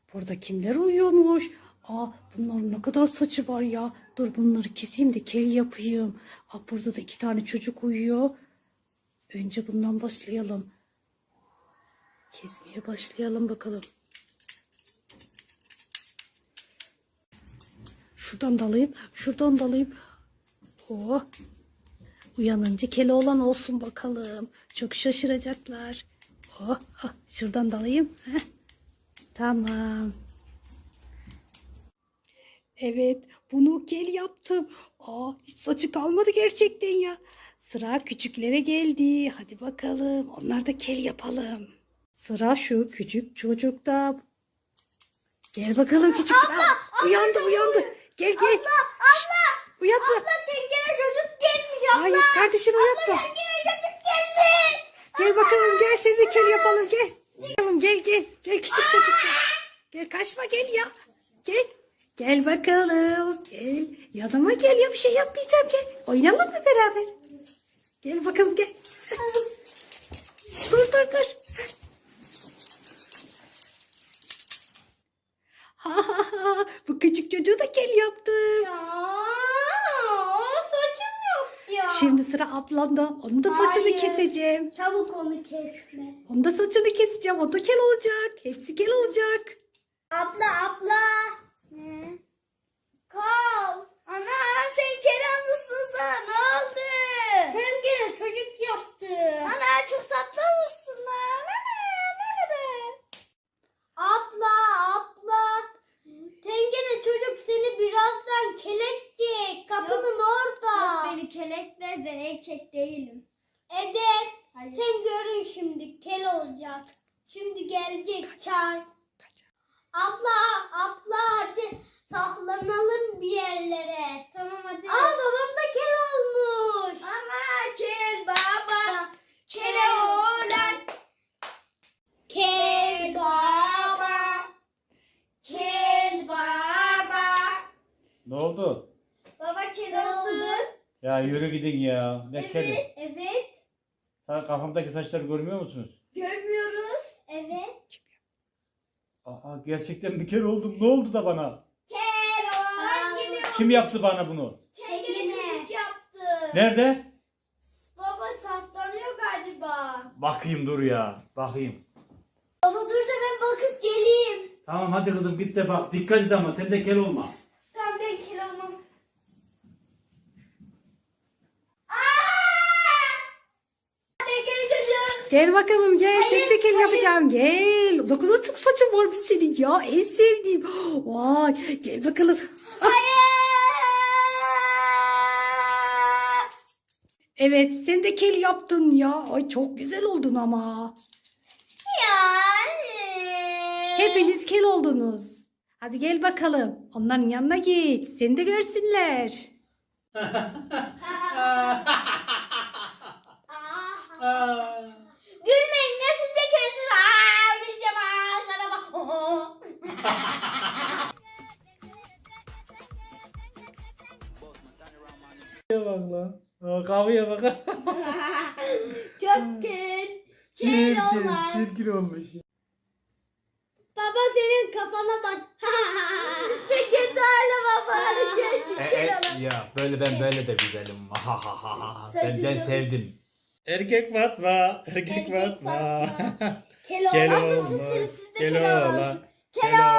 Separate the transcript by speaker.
Speaker 1: Burada kimler uyuyormuş? Bunların ne kadar saçı var ya. Dur bunları keseyim de kel yapayım. Burada da 2 tane çocuk uyuyor. Önce bundan başlayalım. Kesmeye başlayalım bakalım. Şuradan dalayım, şuradan dalayım. Oh. Uyanınca Keloğlan olsun bakalım. Çok şaşıracaklar. Şuradan dalayım. Heh. Tamam. Evet, bunu kel yaptım. Hiç saçı kalmadı gerçekten ya. Sıra küçüklere geldi. Hadi bakalım. Onlar da kel yapalım. Sıra şu küçük çocukta. Gel bakalım küçük. Uyandı. Gel.
Speaker 2: Abla.
Speaker 1: Uyatma.
Speaker 2: Abla tencere çocuk gelmiş abla.
Speaker 1: Hayır kardeşim uyatma.
Speaker 2: Abla tencere çocuk gelmiş.
Speaker 1: Gel bakalım gel seni de kel yapalım gel. Gel küçük çocuk gel. Kaçma gel ya. Gel bakalım. Gel. Yanıma gel ya bir şey yapmayacağım gel. Oynayalım mı beraber? Gel bakalım gel. Dur. Bu küçük çocuğu da kel yaptım.
Speaker 2: Ya saçım yok ya.
Speaker 1: Şimdi sıra ablamda. Onun da saçını
Speaker 2: Hayır.
Speaker 1: keseceğim.
Speaker 2: Çabuk onu kesme.
Speaker 1: Onun da saçını keseceğim. O da kel olacak. Hepsi kel olacak.
Speaker 2: Abla. Ne? Kal. Ana sen Kenanlısın sana ne oldu? Tencere çocuk yaptı. Ana çok tatlı mısın lan? Nerede? Abla. Tencere çocuk seni birazdan keletecek. Kapının orada. Yok beni keletmez ben erkek değilim. Evet. Hayır. Sen görün şimdi kel olacak. Şimdi gelecek çay. Abla hadi saklanalım bir yerlere. Tamam hadi. Babam da kel olmuş. Ama kel baba. Kel oğlan. Kel baba. Kel baba.
Speaker 3: Ne oldu?
Speaker 2: Baba kel oldu.
Speaker 3: Ya yürü gidin ya. Ne keli?
Speaker 2: Evet.
Speaker 3: Sen kafamdaki saçları görmüyor musunuz?
Speaker 2: Görmüyoruz. Evet.
Speaker 3: Gerçekten bir kere oldum. Ne oldu da bana?
Speaker 2: Kel oğlan gibi.
Speaker 3: Kim yaptı bana bunu?
Speaker 2: Tencere çocuk yaptı.
Speaker 3: Nerede?
Speaker 2: Baba saklanıyor galiba.
Speaker 3: Bakayım dur ya. Bakayım.
Speaker 2: Baba dur da ben bakıp geleyim.
Speaker 3: Tamam hadi kızım git de bak. Dikkat et ama sen de kel olma.
Speaker 2: Tamam ben kel olmam. Tencere çocuk.
Speaker 1: Gel bakalım gel.
Speaker 2: Hayır,
Speaker 1: Seni de kel
Speaker 2: hayır.
Speaker 1: yapacağım. Gel. Ne kadar çok saçın varmış senin ya. En sevdiğim. Vay. Gel bakalım. Evet sen de kel yaptın ya. Ay çok güzel oldun ama. Hepiniz kel oldunuz. Hadi gel bakalım. Onların yanına git. Seni de görsünler.
Speaker 2: Gülmeyin ya siz de kelsiniz. Oynayacağım sana bak.
Speaker 3: Bak lan. Kahveye bak.
Speaker 2: Çok kel olan.
Speaker 3: Çirkin olmuş.
Speaker 2: Baba senin kafana bak. Sen kendi haline baba. Kel olan.
Speaker 3: Ya böyle ben böyle de güzelim. Ben
Speaker 2: Saçını-
Speaker 3: sevdim. Erkek Fatma.
Speaker 2: Kel olan.
Speaker 3: Kel
Speaker 2: Nasıl
Speaker 3: olmuş.
Speaker 2: siz de
Speaker 3: Kel
Speaker 2: kel
Speaker 3: oğlan.
Speaker 2: olansın.
Speaker 3: Kel